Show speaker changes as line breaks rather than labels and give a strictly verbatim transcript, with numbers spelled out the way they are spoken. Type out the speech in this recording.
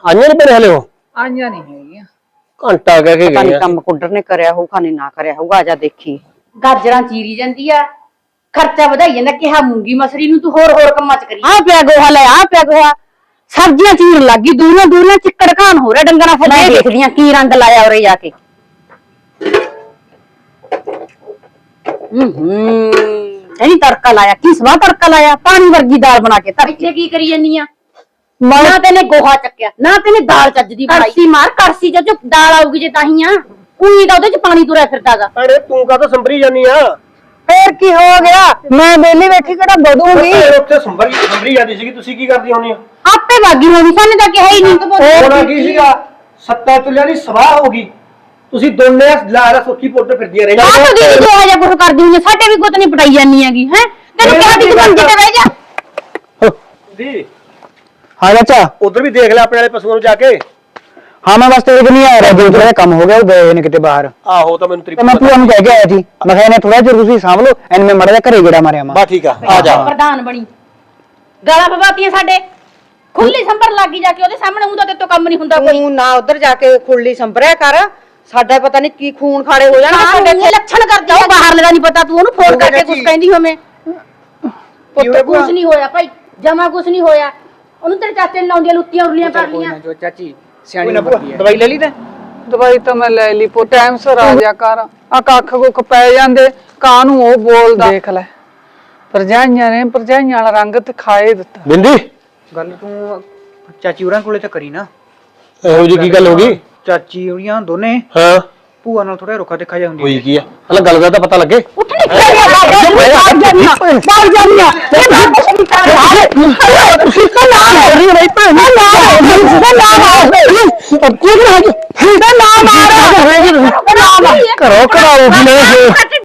ਆਈਆਂ ਨਹੀਂ ਭੈਣੇ ਹਲੇ ਉਹ
ਆਈਆਂ ਨਹੀਂ ਹੈਗੀਆਂ।
ਘੰਟਾ ਕਹਿ ਕੇ
ਪਤਾ
ਗਏ
ਨੀ
ਆ।
ਕੰਮ ਕੁੱਡਰ ਨੇ ਕਰਿਆ ਹੋਊ ਖਾਣੇ ਨਾ ਕਰਿਆ ਹੋਊਗਾ। ਆਜਾ ਦੇਖੀ
ਗਾਜਰਾਂ ਚੀਰੀ ਜਾਂਦੀ ਆ, ਖਰਚਾ ਵਧਾਈ ਜਾਂਦਾ। ਕਿਹਾ ਮੂੰਗੀ ਮਸਰੀ ਨੂੰ ਤੂੰ ਹੋਰ ਹੋਰ ਕੰਮਾਂ ਚ ਕਰੀ।
ਆ ਪਿਆ ਗੋਹਾ ਲੈ ਆ ਪਿਆ ਗੋਹਾ ਸਬਜ਼ੀਆਂ ਚੀਰ ਲੱਗੀ ਦੂਰੋਂ ਦੂਰੋਂ ਚਿੱਕੜ ਘਾਣ ਹੋ ਰਿਹਾ ਡੰਗਰਾਂ ਫਿਰ ਮੈਂ ਦੇਖਦੀਆਂ ਕੀ ਰੰਗ ਲਾਇਆ ਉਰੇ ਜਾ ਕੇ। ਹੂੰ ਹੂੰ ਇਹਨੀ ਤੜਕਾ ਲਾਇਆ ਕੀ ਸਵਾਹ ਤੜਕਾ ਲਾਇਆ ਪਾਣੀ ਵਰਗੀ ਦਾਲ ਬਣਾ ਕੇ ਧਰ
ਇੱਥੇ ਕੀ ਕਰੀ ਜਾਨੀ ਆ? ਨਾ ਤੈਨੇ ਗੋਹਾ ਚੱਕਿਆ ਨਾ ਤੈਨੇ ਦਾਲ ਚੱਜ ਦੀ ਬਣਾਈ। ਕੜਸੀ ਮਾਰ ਕੜਸੀ ਚ ਜੋ ਦਾਲ ਆਊਗੀ ਜੇ ਤਾਹੀਂ ਆ ਉਹੀ ਤਾਂ ਉਹਦੇ ਚ ਪਾਣੀ ਤੁਰਿਆ ਫਿਰਦਾਗਾ।
ਭੈਣੇ ਤੂੰ ਕਾਹਤੋਂ ਸੰਭਰੀ ਜਾਨੀ ਆ?
ਫੇਰ ਕੀ ਹੋ ਗਿਆ ਮੈਂ ਵੇਲੀ ਬੈਠੀ ਕਿਹੜਾ ਬਦੂਗੀ
ਉੱਥੇ ਸੰਭਰੀ ਸੰਭਰੀ ਜਾਂਦੀ ਸੀਗੀ ਤੁਸੀਂ ਕੀ ਕਰਦੀ ਹੋਣੀ ਆ?
ਆਪੇ ਵਾਗੀ ਹੋਣੀ ਸਾਨੂੰ ਤਾਂ ਕਿਹਾ ਹੀ ਨਹੀਂ।
ਹੋਣਾ ਕੀ ਸੀਗਾ ਸੱਤਾ ਚੁੱਲਿਆਂ ਦੀ ਸਵਾਹ ਹੋ ਗਈ। ਤੁਸੀਂ ਦੋਨੇ ਲਾਰਾ ਸੁੱਕੀ ਪੁੱਟ ਫਿਰਦੀਆਂ ਰਹੀਆਂ।
ਆਹ ਤਾਂ ਦੀਦੀ ਜੋ ਆ ਜਾ ਕੁਝ ਕਰਦੀ ਹੁੰਦੀ ਸਾਡੇ ਵੀ ਗੁੱਤ ਨਹੀਂ ਪਟਾਈ ਜਾਨੀ ਹੈਗੀ ਹੈ ਤੈਨੂੰ ਕਿਹਾ ਦੀ ਮੰਜੇ ਤੇ ਬਹਿ ਜਾ
ਜੀ।
हाँ चाचा
ਉਧਰ ਵੀ ਦੇਖ ਲੈ ਆਪਣੇ ਵਾਲੇ ਪਸ਼ੂਆਂ ਨੂੰ ਜਾ ਕੇ।
हाँ मैं बस तेरे को नहीं आ रहा जो थोड़ा कम हो गया वो गए ने किते बाहर
ਆਹੋ ਤਾਂ ਮੈਨੂੰ ਤੇਰੀ
तो मैं पूरा कह के आया थी मैं कहने थोड़ा जो तुसी सांभ लो एन में मड़ा जा घरे गेड़ा मारे
ਬਾ ਠੀਕ ਆ ਆ ਜਾ।
ਪ੍ਰਧਾਨ ਬਣੀ ਗਾਲਾਂ ਪਵਾਤੀਆਂ ਸਾਡੇ ਖੁੱਲੀ ਸੰਭਰ ਲੱਗੀ ਜਾ ਕੇ ਉਹਦੇ ਸਾਹਮਣੇ ਹੁੰਦਾ ਤੇ ਤੋਂ ਕੰਮ ਨਹੀਂ ਹੁੰਦਾ ਕੋਈ।
ਤੂੰ ਨਾ ਉਧਰ ਜਾ ਕੇ ਖੁੱਲੀ ਸੰਭਰਿਆ ਕਰ ਸਾਡਾ ਪਤਾ ਨਹੀਂ ਕੀ ਖੂਨ ਖਾੜੇ ਹੋ ਜਾਣਾ
ਸਾਡੇ ਇੱਥੇ ਲੱਛਣ ਕਰਦੀ ਆ ਬਾਹਰ ਲਗਾ ਨਹੀਂ ਪਤਾ ਤੂੰ ਉਹਨੂੰ ਫੋਨ ਕਰਕੇ ਕੁਝ ਕਹਿੰਦੀ ਹੋਵੇਂ। ਪੁੱਤ ਕੁਝ ਨਹੀਂ ਹੋਇਆ ਭਾਈ ਜਮਾ ਕੁਝ ਨਹੀਂ ਹੋਇਆ। ਉਹਨੂੰ ਤੇਰੇ ਚਾਚੇ ਨੇ ਲਾਉਂਦੀਆਂ ਲੁੱਤੀਆਂ ਉਰਲੀਆਂ ਕਰ ਲੀਆਂ।
ਜੋ ਚਾਚੀ ਸਿਆਣੀ ਹੁੰਦੀ ਹੈ।
ਦਵਾਈ ਲੈ ਲਈ ਤੇ
ਦਵਾਈ ਤਾਂ ਮੈਂ ਲੈ ਲਈ ਪੋ ਟਾਈਮ ਸਿਰ ਆ ਜਾ ਕਰ ਆ ਕੱਖ ਕੁੱਖ ਪੈ ਜਾਂਦੇ ਕਾਂ ਨੂੰ ਉਹ ਬੋਲਦਾ ਦੇਖ ਲੈ ਪਰਜਾਈਆਂ ਨੇ ਪਰਜਾਈਆਂ ਵਾਲਾ ਰੰਗ ਤੇ ਖਾਏ ਦਿੱਤਾ।
ਬਿੰਦੀ
ਗੱਲ ਤੂੰ ਚਾਚੀ ਹੋਰਾਂ ਕੋਲੇ ਤਾਂ ਕਰੀ ਨਾ।
ਇਹੋ ਜੀ ਕੀ ਗੱਲ ਹੋ ਗਈ?
ਚਾਚੀ ਹੋਰੀਆਂ ਦੋਨੇ
ਹਾਂ
ਭੂਆ ਨਾਲ ਥੋੜਾ ਰੁੱਖਾ ਦੇਖਾ ਜਾ ਹੁੰਦੀ
ਹੋਈ ਕੀ ਆ? ਹਲਾ ਗੱਲ ਦਾ ਤਾਂ ਪਤਾ ਲੱਗੇ।
ਉੱਠ ਨਹੀਂ ਬਾਹਰ ਜਾਨੀਆਂ ਬਾਹਰ ਜਾਨੀਆਂ ਇਹ ਨਾ ਕੁਛ ਨਹੀਂ ਕਰ ਰਿਹਾ ਤੁਸੀਂ ਤਾਂ ਨਾ ਹੋ ਰਹੀ ਬਈ ਭੈਣ ਨਾ ਨਾ ਨਾ ਨਾ ਨਾ ਮਾਰ ਕਰੋ ਕਰਾਓ ਵੀ ਨਹੀਂ